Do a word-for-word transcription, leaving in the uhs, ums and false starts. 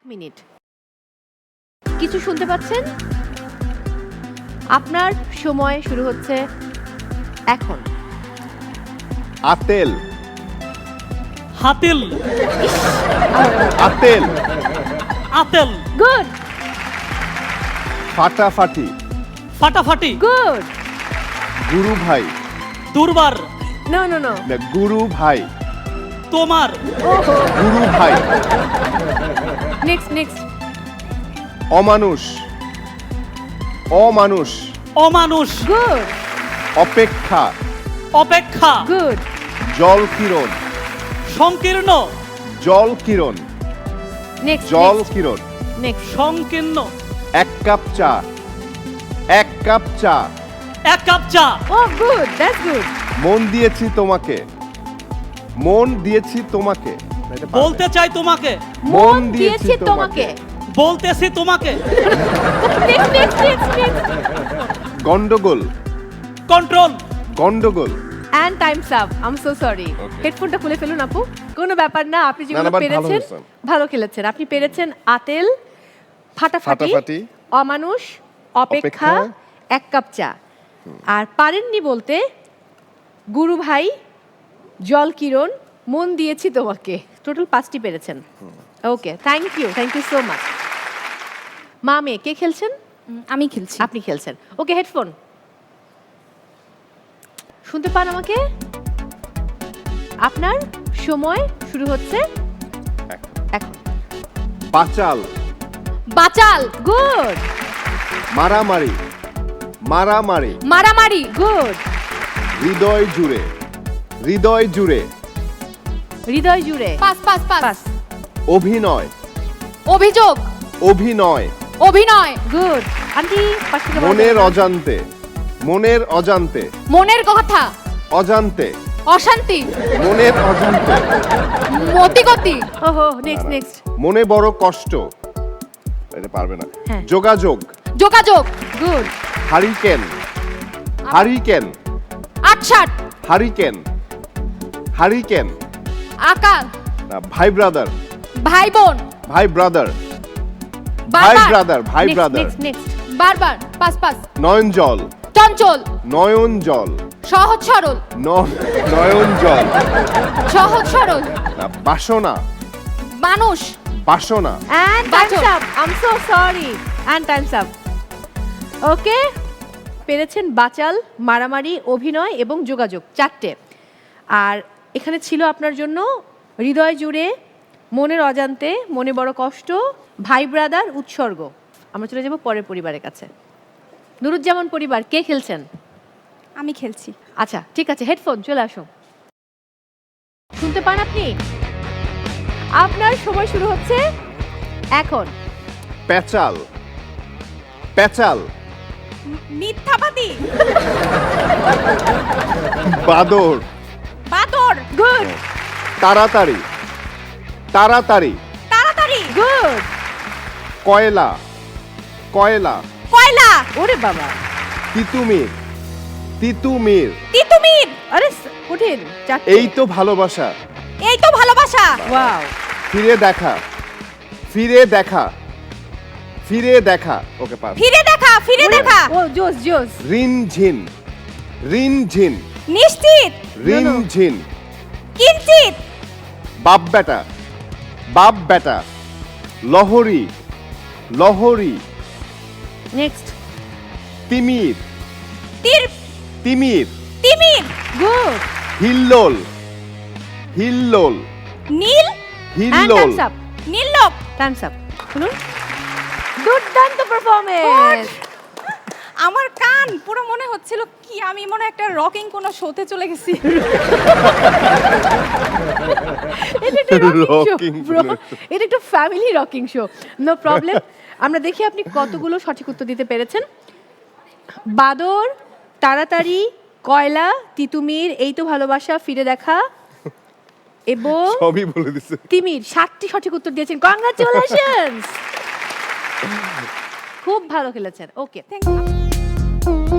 Minute কিছু শুনতে পাচ্ছেন? আপনার সময় শুরু হচ্ছে এখন। আতেল হাতিল আতেল আতেল গুড ফাটাফাটি ফাটাফাটি গুড গুরু ভাই দুর্বার নো নো নো না, গুরু ভাই তোমার ওহো গুরু ভাই নেক্সট নেক্সট অমানুষ অমানুষ অমানুষ গুড অপেক্ষা অপেক্ষা গুড জল কিরণ সংকীর্ণ জল কিরণ নেক্সট জল কিরণ নেক্সট সংকীর্ণ এক কাপ চা এক কাপ চা এক কাপ চা ও গুড দ্যাটস গুড মন দিয়েছি তোমাকে মন দিয়েছি তোমাকে না, এটা পারবে। বলতে চাই তোমাকে মন দিয়েছি তোমাকে বলতেছি তোমাকে নেক্সট নেক্সট নেক্সট নেক্সট গন্ডগোল কন্ট্রোল গন্ডগোল and time's up I am so sorry Okay. হেডফোনটা খুলে ফেলুন আপু কোনো ব্যাপার না আপনি না, যেগুলো না, but ভালো পেরেছেন হয়েছেন। ভালো খেলেছেন আপনি পেরেছেন আতেল ফাটাফাটি ফাটাফাটি, অমানুষ অপেক্ষা অপেক্ষা, এক কাপ চা আর পারেননি বলতে গুরু ভাই জল কিরণ মন দিয়েছি তোমাকে টোটাল পাঁচটি পেরেছেন okay thank you thank you so much মা মেয়ে কে খেলছেন উম, আমি খেলছি আপনি খেলছেন ওকে হেডফোন শুনতে পান আমাকে আপনার সময় শুরু হচ্ছে এখন পাচাল বাচাল গুড মারামারি মারামারি মারামারি গুড হৃদয় জুড়ে হৃদয় জুড়ে হৃদয় জুড়ে পাস পাস পাস পাস অভিনয় অভিযোগ অভিনয় অভিনয় গুড আন্টি পাশ থেকে বলো। মনের অজান্তে মনের অজান্তে মনের কথা অজান্তে অশান্তি মনের অজান্তে মতিগতি ওহো নেক্সট নেক্সট মনে বড় কষ্ট এটা পারবে না হ্যাঁ। যোগাযোগ যোগাযোগ গুড হারিকেন হারিকেন আটসাট হারিকেন হারিকেন আকার না, ভাই ব্রাদার ভাই বোন ভাই ব্রাদার ভাই বারবার ব্রাদার ভাই ব্রাদার নেক্সট নেক্সট বারবার পাস পাস নয়ন জল চঞ্চল নয়ন জল সহজ সরল ন- নয়ন জল সহজ সরল না, বাসনা মানুষ বাসনা এন্ড টাইমস বাচক। Up I am so sorry and time's up okay পেরেছেন বাচাল মারামারি অভিনয় এবং যোগাযোগ চারটে আর এখানে ছিল আপনার জন্য হৃদয় জুড়ে মনের অজান্তে মনে বড় কষ্ট ভাই ব্রাদার উৎসর্গ আমরা চলে যাব পরের পরিবারের কাছে নুরুজ্জামান পরিবার কে খেলছেন আমি খেলছি আচ্ছা ঠিক আছে হেডফোন চলে আসুন শুনতে পান আপনি আপনার সময় শুরু হচ্ছে এখন পেচাল পেচাল মিথ্যাবাদী বাদর বাদর গুড তাড়াতাড়ি তাড়াতাড়ি তাড়াতাড়ি গুড কয়লা কয়লা কয়লা ওরে বাবা তিতুমির তিতুমির তিতুমির আরে স- কঠিন চারটে এই তো ভালোবাসা এই তো ভালোবাসা ওয়াও ফিরে দেখা ফিরে দেখা ফিরে দেখা ওকে পাস ফিরে দেখা ফিরে দেখা ও জোস জোস রিন ঝিন রিন ঝিন নিশ্চিত রিন no. ঝিন কিঞ্চিত বাপ বেটা বাপ বেটা লহরি লহরি নেক্সট তিমির তীর তিমির তিমির গুড হিল্লোল হিল্লোল নীল এন্ড হিল্লোল টাইমস আপ নীললোক টাইমস আপ শুনুন দুর্দান্ত পারফরম্যান্স আমার কান পুরো মনে হচ্ছিল কি আমি মনে হয় একটা রকিং কোন শোতে চলে গেছি এটা একটা রকিং শো Rocking ব্রো কোনো এটা একটা family rocking show no problem আমরা দেখি আপনি কতগুলো সঠিক উত্তর দিতে পেরেছেন বাদর তাড়াতাড়ি কয়লা তিতুমির এই তো ভালোবাসা ফিরে দেখা এবং সবই বলে দিছে তিমির সাতটি সঠিক উত্তর দিয়েছেন কংগ্রাচুলেশনস খুব ভালো খেলেছেন ওকে থ্যাংক ইউ